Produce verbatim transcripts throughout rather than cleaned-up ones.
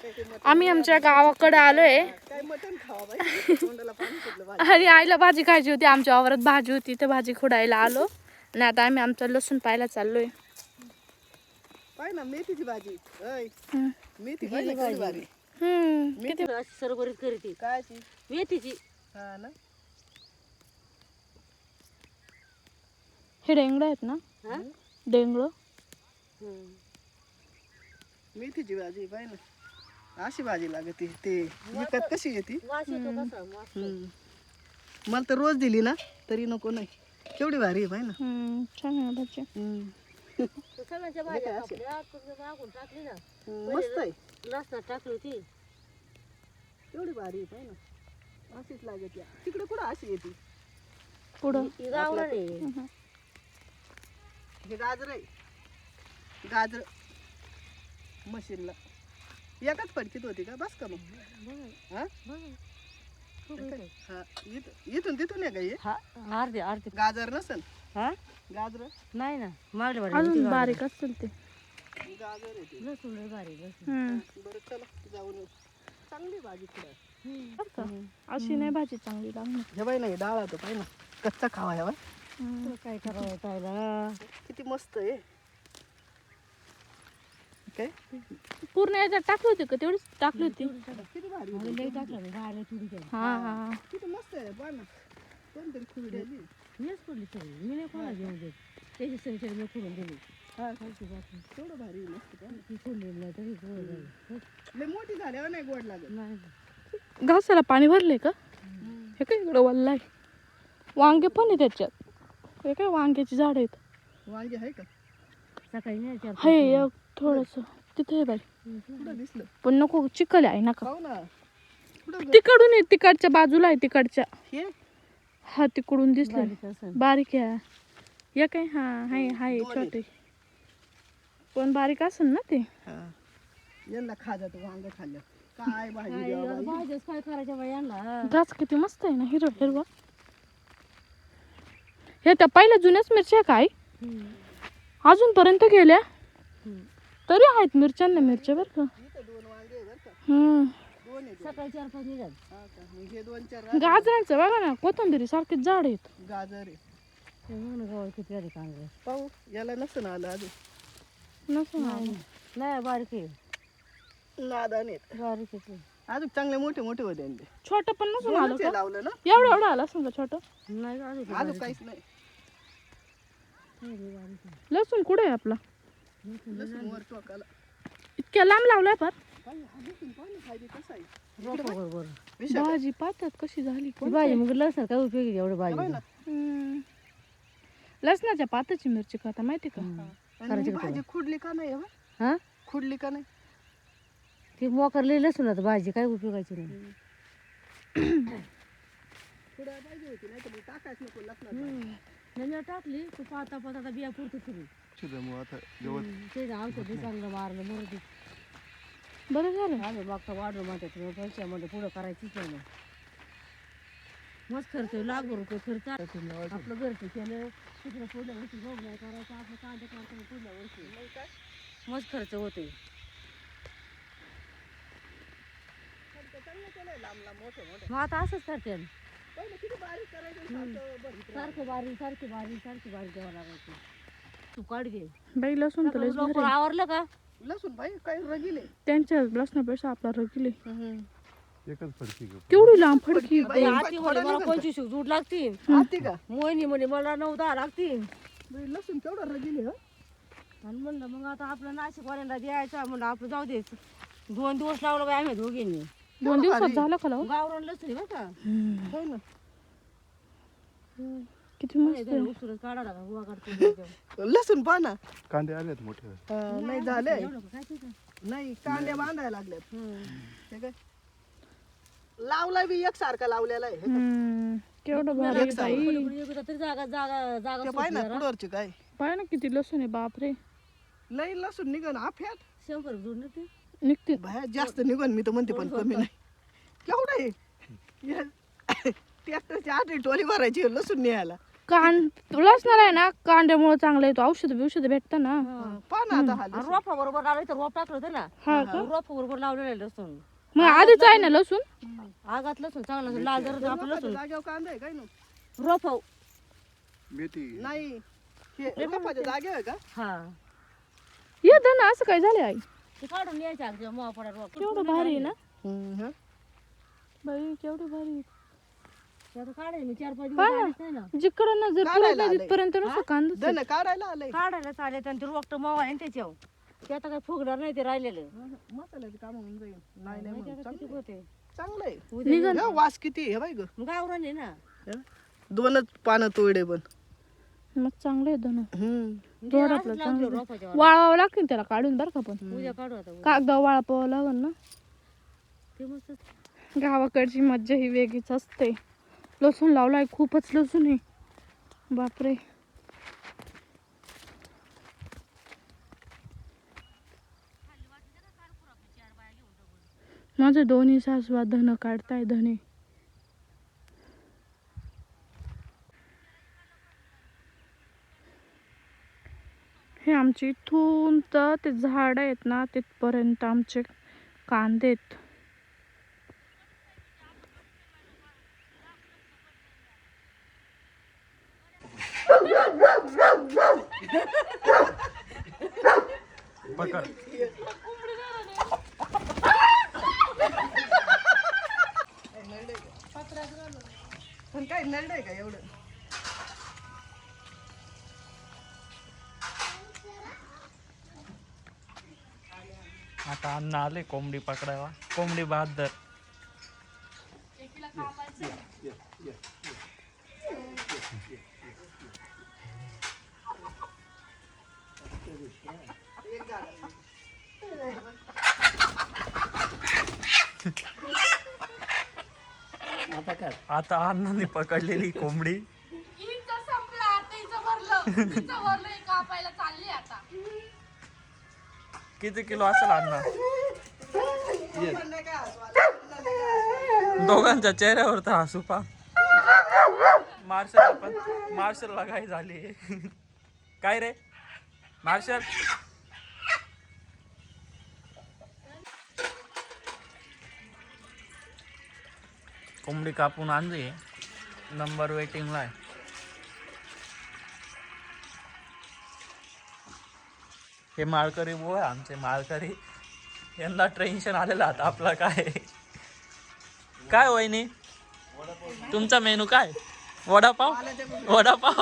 आम्ही आमच्या गावाकडे आलोय आणि आईला भाजी खायची होती. आमच्या वावरात भाजी होती तर भाजी खुडायला आलो आणि आता आम्ही आमचं लसूण पाहायला चाललोय. पाय ना मेथीची भाजी हम्म. मेथी भाजी हम्म किती सरभरीत करते कायची मेथीची. हा ना हे डेंगळ आहेत ना, हा डेंगळ. मेथीची भाजी पाय ना अशी भाजी लागते. ते विकत कशी येते वास येतो कसा मस्त. मला तर रोज दिली ना तरी नको नाही. केवढी भारी आहे पाय ना. हम्म छान आहे भाजी. तर सगळ्यांच्या भाज्या कापल्या तुम्ही मागून टाकली ना. मस्त आहे. लसणात टाकली होती. केवढी भारी आहे पाय ना. अशीच लागते. तिकडे कुठं अशी येते. पुढं ही गावरान आहे. हे गाजर आहे. गाजर मशीनला एकाच फडकीत होती का बस का मग. हा हा इथं- इथून तिथून आहे का हे हा अर्धे अर्धे गाजर नसेल. हा गाजर नाही ना मागले अजून बारीक असतील ते. गाजर आहे ते. लसूण लय भारी लसूण. हम्म. बरं चला जाऊन येऊ. चांगली भाजी पुढे बरं का? अशी नाही भाजी चांगली लागणार. हे बाई नाही डाळ होतं पाय ना कच्चा खावा ह्या बाई. हम्म. काय करावं खायला. किती मस्त आहे. काय पूर्ण याच्यात टाकली होती का तेवढीच टाकली होती. किती भारी अरे लय टाकलं मी बाहेर थोडी केली. हा हा किती मस्त आहे पाय ना. कोणतरी खुरडी आली. मीच पडली सगळी मी नाही कोणाला घेऊन देत. त्याची सगळी मी खोडून दिली. हा तेवढं भारी आहे, मस्त पाय ना. ती खोडली नाही तरी गोड झाली. लय मोठी झाल्यावर नाही गोड लागत. नाही घासाला पाणी भरले का. हे काय इकडं वल्ला आहे. वांगे पण आहे त्याच्यात. हे काय वांग्याची झाड आहेत. वांगे आहे का सकाळी नाही चार हे एक थोडस तिथे आहे बाई. कुठं दिसलं पण नको चिखल आहे नका. खाऊ ना कुठं ग- तिकडून आहे तिकडच्या बाजूला आहे तिकडच्या. हे हा तिकडून दिसले बारीक असं. बारीक आहे. एक आहे हा हाय हाय दोन आहे. छोटे पण बारीक असेल ना ते. हा यांना खा जातो वांग खाल्लं काय भाजी द्यावं काय बाई. भाज्याच काय करायच्या बाई यांना. घास किती मस्त आहे ना हिरवा हिरवा. हे त्या पहिल्या जुन्याच मिरच्या काय अजूनपर्यंत गेल्या तरी आहेत मिरच्यांना मिरच्या बरं का. इथं दोन वांगे आहे बरं का. हम्म दोन आहे दोन. सकाळी चार पाच निघाल. हा का मग हे दोन चार राहते. गाजरांचं बघा ना कोथिंबिरी सारखेच झाड आहेत. गाजर आहे गावात किती आले कांदे. पाहू याला नसतं ना आलं अजून नसं ना. नाही बारीक आहे नादान आहेत बारीक आहे ते. अजून चांगले मोठे मोठे होते आणि ते. छोटं पण नसून आलं दोनच हे का लावलं ना एवढं एवढं आलं असं छोटं. नाही अजून अजून काहीच नाही. लसूण कुठे आहे आपला. लसूण वर टोकाला इतक्या लांब लावलाय पर पाय, हा लसूण पाय ना खायली कसा आहे. रोपं बरोबर. विशाल आहे. भाजी पाहतात कशी झाली ती कोण. भाजी मग लसण काय उपयोगी आहे एवढं हे बाई भाजी. ना. हम्म. लसणाच्या पाताची मिरची खाता माहिती का. आणि ही भाजी खुडली का नाही हे बाई? हा खुडली का नाही ती मोकरली लसूण आता भाजी काय उपयोगाची नाही. खुडायला पाहिजे होती नाही तर मग टाकायच नको लसणात. नंतर टाकली तू पाता पाता बिया पुरतो फिरू. ते औषध चांगलं मारलं मरू. बरं झालं. आम्ही मागता वाढलं म्हणतात पैशामध्ये पुढं करायचीच नाही. मस्त खर्च लाख रुपये खर्च आपलं घरचं केलं तिकडं पुढल्या वर्षी गहू नाही करायचं आपलं कांदे करतो पुढल्या वर्षी मस्त खर्च होते. लांब लांब मोठे मोठे मग आता असंच करते पहिलं किती बारीक करायचं सारखं बघितलं. सारखं बारी सारखी बारी सारखी बारी द्यावं लागायची. तू काढ दे बाई लसूण तर लयच भारी लवकर आहे. आवरलं का. लसूण भाई काही रगिले त्यांच्या लसणापेक्षा आपला रगिले एकच फडकी घेऊ. केवढी लांब फडकी. बाई, आती म्हणे मला पंचवीस जूट लागतील. आती का मोहिनी म्हणे मला नऊ दहा लागतील. बाई, लसूण केवढं रगिले ह आणि म्हणलं मग आता आपलं नाशिकवाल्यांना द्यायचा म्हणलं आपलं जाऊ द्यायचं. दोन दिवस लावलं बाई आम्ही दोघींनी. दोन दिवसात झालं का लावून? गावरान लसूण बरं का. हो ना किती मस्त आहे. उसरच काढा लागा गोवा काढतो. लसूण पहा ना. कांदे आलेत मोठे. हा, नाही झाले एवढं का काय ते का? नाही कांदे बांधायला लागल्यात. हे काय लावलाय बी एक सारखा लावलेला आहे. हम्म. केवढं भारी आहे बाई. कुठे कुठे एकदा तरी जागा जागा जागा ते पाय ना सुटली जरा. कुडवरचे काय पाय ना किती लसूण आहे बापरे. लई लसूण निघन आफ्यात शंभर जोड ना ते. निघते. बाहेर जास्त निघन मी तर म्हणते पण कमी नाही. केवढं आहे ट्रॅक्टरची आठ टोली भरायची लसूण न्यायला. कांड लसणार आहे ना, कांद्यामुळे चांगला येतो. औषध बिषध भेटतं ना. पहा ना आता हा लसूण. रोपा बरोबर लावलं तर रोप टाकलं होतं ना, हा का? रोप बरोबर लावलेलं आहे लसूण. मग आधीच आहे ना लसूण. आगात लसूण चांगलं असं लाल जर आपलं लसूण जागेवर कांदा आहे काय ना रोप मेथी नाही हे रोपाच्या जागे आहे का हा ये धन असं काय झालं आई? ते काढून न्यायचं अगदी मग पडा रोप केवढं भारी आहे ना हम्म. बाई, केवढं भारी आहे. ते आता काढायला मी चार पाच हा दिवस ना. आलेच नाही ना. जिकडं नजर काढायला पुरत नाही आलंय. तिथपर्यंत नुसतं कांदाच आहे. धन काढायला आलंय काढायला चालेल आणि ते रोपट मवा आहे ना त्याच्यावर, ते आता काही फुगणार नाही ते राहिलेलं. मसाल्याचे काम होऊन जाईल नाही नाही माहिती म्हणून. आहे का किती होते चांगलं आहे निघन. हे वास किती आहे, हे बाई ग मग गावरान आहे ना. हे? दोनच पानं तोडे पण मग चांगलं आहे धन. हम्म जोड ते आपलं असंच लावलं चांगलं. रोपाच्या वर. वाळावं लागतील त्याला काढून बरं का. पण उद्या काढू आता उद्या. कागदा वाळपावं लागल ना. ते मस्त गावाकडची मज्जा ही वेगळीच असते. लसूण लावलाय, खूपच लसूण आहे. बापरे. माझे दोन्ही सासवा धन काढताय धने. हे आमचे इथून तर ते झाड आहेत ना तिथपर्यंत आमचे कांदे आहेत. पण काय नरडे का एवढं आता अन्न आले कोंबडी पकडायला. कोंबडी बहादर. आता अण्णांनी पकडलेली कोंबडी. किती किलो असेल अण्णा? दोघांच्या चेहऱ्यावर तर हसू पा. मार्शल पण मार्शलला काय झाली काय रे मार्शल? कोंबडी कापून आणली. नंबर वेटिंगला आहे. हे माळकरी बुवा आहे आमचे माळकरी. यांना टेन्शन आलेलं आता आपला काय काय वहिनी तुमचा मेनू काय? वडापाव वडापाव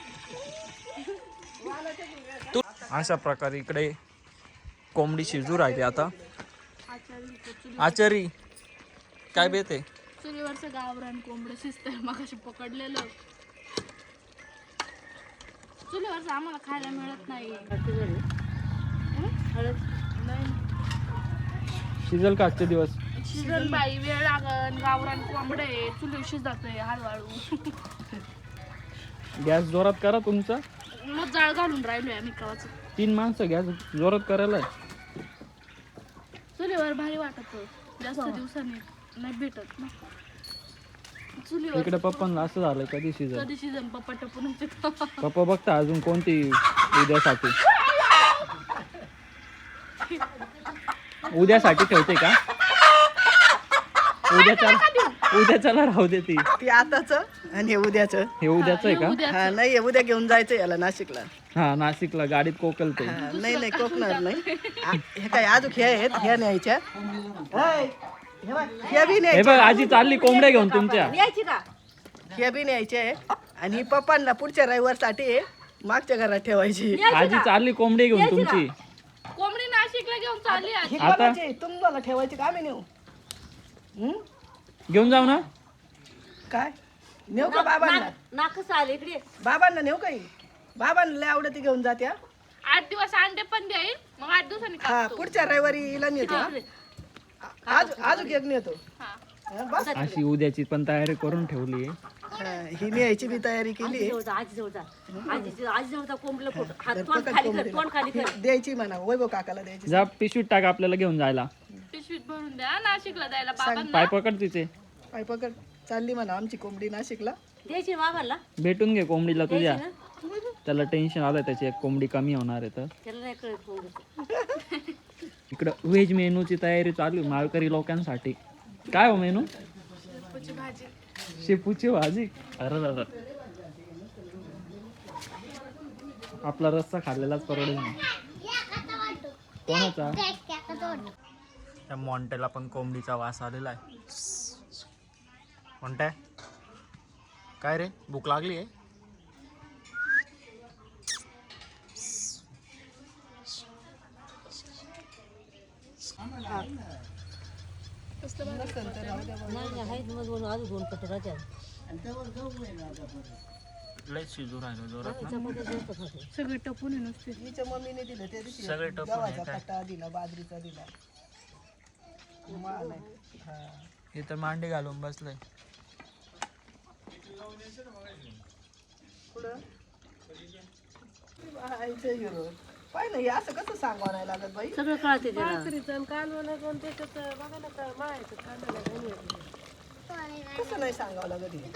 तू अशा प्रकारे इकडे कोंबडी शिजू राहिली. आता आचारी काय बेते? चुलीवरचं गावरान कोंबडं शिजतंय. मगाशी पकडलेलं चुलीवरचं आम्हाला खायला मिळत नाही. शिजल का आजचे दिवस? शिजन बाई, वेळ लागन. गावरान कोंबडं आहे, चुलीवर शिजतंय हळूहळू. गॅस जोरात करा तुमचा. मग जाळ घालून राहिलोय आम्ही कवाच. तीन माणसं गॅस जोरात करायला. चुलीवर भारी वाटत. जास्त दिवसांनी नाही भेटत ना चुलीवर. इकडे पप्पांना असं झालं कधी शिजल. कधी शिजन पप्पा टपून पप्पा बघता अजून कोणती उद्यासाठी उद्यासाठी ठेवते का? उद्याच्या उद्याच्याला राहू दे ती. ते आताच आणि हे उद्याच हे उद्याच आहे का? हा नाही हे उद्या घेऊन जायचं याला नाशिकला. हा नाशिकला गाडीत कोकलते. हा, नाही नाही कोकणार नाही. आ, हे काय अजून हे आहेत ह्या न्यायच्या. हाय, हे बघ, ह्या बी हे न्यायच्या. बघ आजी चालली कोंबड्या घेऊन तुमच्या. यायची का? ह्या बी न्यायच्या आहे आणि ही पप्पांना पुढच्या रविवारसाठी मागच्या घरात ठेवायची. आजी चालली कोंबडी घेऊन तुमची. कोंबडी नाशिकला घेऊन चालली आज. ही आता? कोणाची? तुम्हाला ठेवायची का आम्ही नेऊ? हं? घेऊन जाऊ ना. काय नेऊ का बाबांना? नाकच आले इकडे. बाबांना नेऊ काही? बाबांना लय आवडते घेऊन जात्या. आठ दिवस अंडे पण देईल. मग आठ दिवसांनी हा कापतो. पुढच्या रविवारी हिला नेतो. हा. आज अजून एक नेतो. हा. हा, बस अशी उद्याची पण तयारी करून ठेवली आहे. हा, ही न्यायची बी तयारी केली. आजी जवळ जा, आजी जवळ जा. आजी आजी जवळ जा, कोंबडीला फोटो. हात तोंड खाली कर, तोंड खाली कर. द्यायची म्हणा वैभव काकाला द्यायची. जा पिशवीत टाक आपल्याला घेऊन जायला. पिशवीत भरून द्या नाशिकला द्यायला बाबांना. पाय पकड तिचे. पाय पकड चालली म्हणा आमची कोंबडी नाशिकला. द्यायची बाबाला भेटून घे कोंबडीला तुझ्या. द्यायची ना त्याला टेन्शन आलं त्याची एक कोंबडी कमी होणार आहे तर. त्याला नाही कळत कोंबडीचं. इकडं व्हेज मेनूची तयारी चालू आहे माळकरी लोकांसाठी. काय हो मेनू? शेपूची भाजी. अरे दादा आपला रस्सा खाल्लेलाच परवडेल नाही. कोणाचा? त्या मॉन्टेला पण कोंबडीचा वास आलेला आहे. मोंटे काय रे भूक लागली आहे? नाही नाही आहेत मग दोन अजून दोन कट राहत्या. लय शिजू राहिलो जोरात ना. चपात्या जास्त खाते. सगळी टपून आहे नुसती. तिच्या मम्मीने दिलं त्या दिवशी सगळे टपून गव्हाचा आहे काय? कट्टा दिला बाजरीचा दिला माल आहे. हा. हे तर मांडी घालून बसलंय. पुढं आईचं हिरो. पाय ना हे असं कसं सांगावं नाही लागत बाई. सगळं कळते त्याला. कसं नाही सांगावं लागत हे.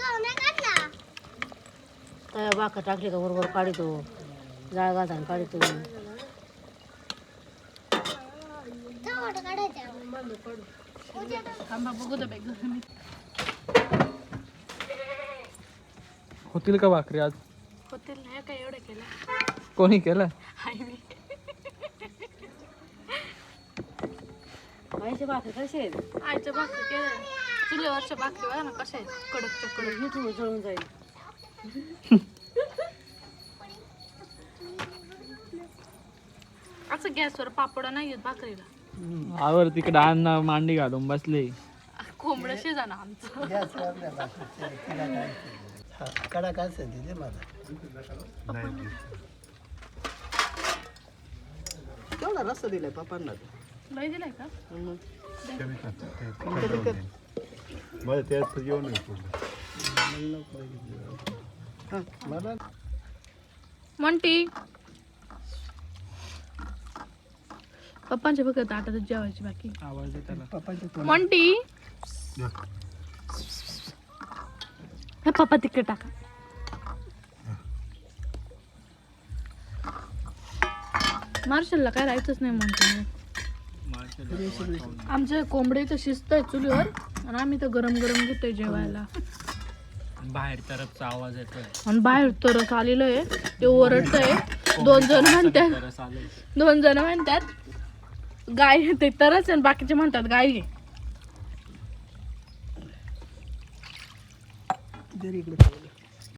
काय बाका टाकले का बरोबर काढतो. जाळ घालताना काढतो. थांबा बघू दे बाई. होतील का भाकरी आज? होतील नाही काय एवढं केलं. कोणी केलं? आईच्या भाकरी कसे आहेत? आईच्या भाकरी केल्या. चुलीवरच्या भाकरी बघा ना कशा आहेत कडकच्या कडक. हे थोडं जळून जाईल. असं गॅसवर पापड नाही येत भाकरीला. आवर तिकडे अन्न मांडी घालून बसले. कोंबडं शिजा ना आमचं. कडा काय सांगते मला केवढा रस्ता दिलाय पप्पांना. लय दिलाय का? मला त्यात येऊन मला म्हणती पप्पांच्या बघत आटातच जेवायची बाकी. आवाज आहे त्याला. पप्पांच्या म्हणती हे पप्पा तिकडे टाका. मार्शलला काय राहायचंच नाही म्हणते. आमच्या कोंबडीचं शिस्त आहे चुलीवर आणि आम्ही तर गरम गरम घेतोय जेवायला. बाहेर तरफचा आवाज येतोय. आणि बाहेर तरच आलेलं आहे ते ओरडतंय. दोन जण म्हणतात तरच आलंय. दोन जण म्हणतात गाय ते तरच आणि बाकीचे म्हणतात गाय आहे. जरी इकडे